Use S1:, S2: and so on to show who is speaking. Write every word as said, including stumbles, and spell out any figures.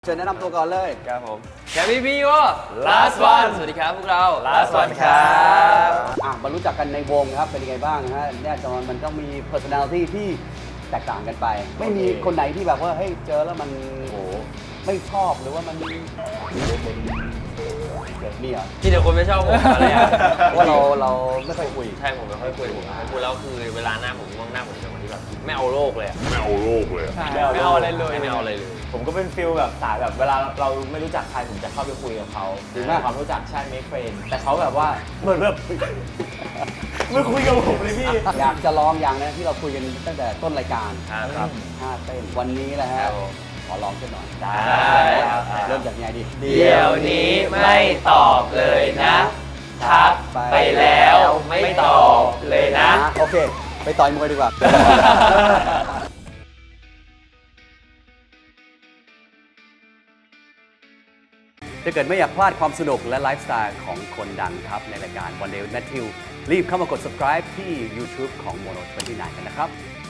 S1: เชิญแนะนำตัวก่อนเลย
S2: ครับผม
S3: แคปปี้พีโอ
S2: last one
S3: สวัสดีครับพวกเรา
S2: last one ครับ
S1: อ่ะมารู้จักกันในวงครับ เป็นยังไงบ้างฮะแน่นอนมันต้องมี personality ที่แตกต่างกันไป ไม่มีคนไหนที่แบบว่าเฮ้ยเจอแล้วมันโอ้ไม่ชอบหรือว่ามันเกิดเนี่ย
S3: ที่เดี๋ยวคนไม่ชอบผมอะไรอ่ะ
S1: ว่าเราเราไม่ค่อยคุย
S3: ใช่ผมไม่ค่อยคุยผมไม่ค่อยคุยแล้วคือเวลาหน้าผมง่วงหน้าผมจะเป็นคนที่แบบไม่เอาโลกเลยอะ
S2: ไม่เอาโลกเลย
S3: ไม่เอาอะไรเลยไม่เอาอะไรเลย
S2: ผมก็เป็นฟิลแบบสายแบบเวลาเราไม่รู้จักใครผมจะเข้าไปคุยกับเขาหรือความรู้จักใช่ make friend แต่เขาแบบว่าเหมือนแบบไม่คุยกับผมเลยพี่
S1: อยากจะลองอย่างนะที่เราคุยกันตั้งแต่ต้นรายการ
S3: ครับ
S1: ท่าเต้นวันนี้แหละฮะขอลองสักหน่อย
S2: ได้
S1: เริ่มจากไงดี
S3: เดี๋ยวนี้ไม่ตอบเลยนะทักไปแล้วไม่ตอบเลยนะ
S1: โอเค ไปต่อยมวยดีกว่า ถ้าเกิดไม่อยากพลาดความสนุกและไลฟ์สไตล์ของคนดังครับ ในรายการ One Day with Matthew รีบเข้ามากด subscribe ที่ YouTube ของ Mono ยี่สิบเก้า กันนะครับ